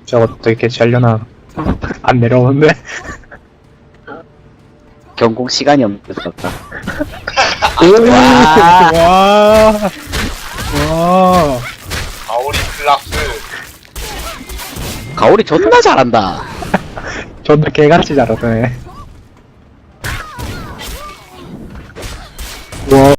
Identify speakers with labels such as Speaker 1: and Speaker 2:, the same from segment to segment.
Speaker 1: 저거 어떻게 캐치하려나. 안 내려오는데?
Speaker 2: 경공 시간이 없었다.
Speaker 1: 오!
Speaker 2: 와.
Speaker 1: 와! 와!
Speaker 3: 가오리 클락스.
Speaker 2: 가오리 존나 잘한다.
Speaker 1: 존나 개같이 잘하네. 와.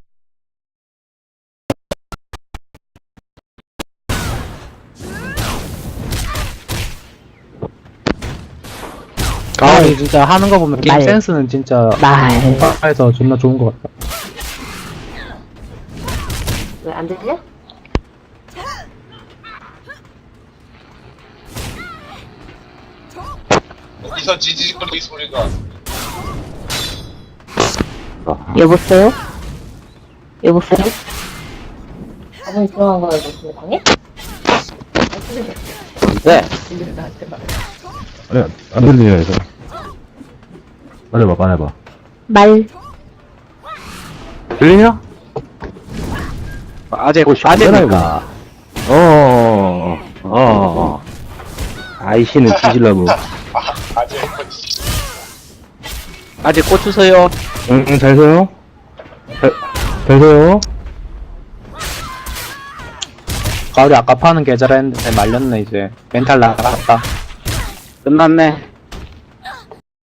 Speaker 1: 가을이 진짜 하는 거 보면 게임
Speaker 4: 말.
Speaker 1: 센스는 진짜
Speaker 4: 말.
Speaker 1: 공파에서 존나 좋은 것 같다.
Speaker 4: 왜 안 들려?
Speaker 3: 어디서 지지직거리는 소리가.
Speaker 4: 여보세요? 여보세요? 아버님 들어간 거예요, 무슨 방에?
Speaker 2: 네.
Speaker 5: 아니, 안 들리냐, 이거. 말해봐, 말해봐.
Speaker 4: 말.
Speaker 5: 들리냐?
Speaker 2: 아재입니까?
Speaker 5: 아이씨는 뒤질라고.
Speaker 3: 아재
Speaker 2: 아재 꽂주세요.
Speaker 5: 응, 잘 서요? 잘 서요?
Speaker 1: 가을이 아까 파는 계좌라 했는데 말렸네 이제. 멘탈 나갔다.
Speaker 2: 끝났네.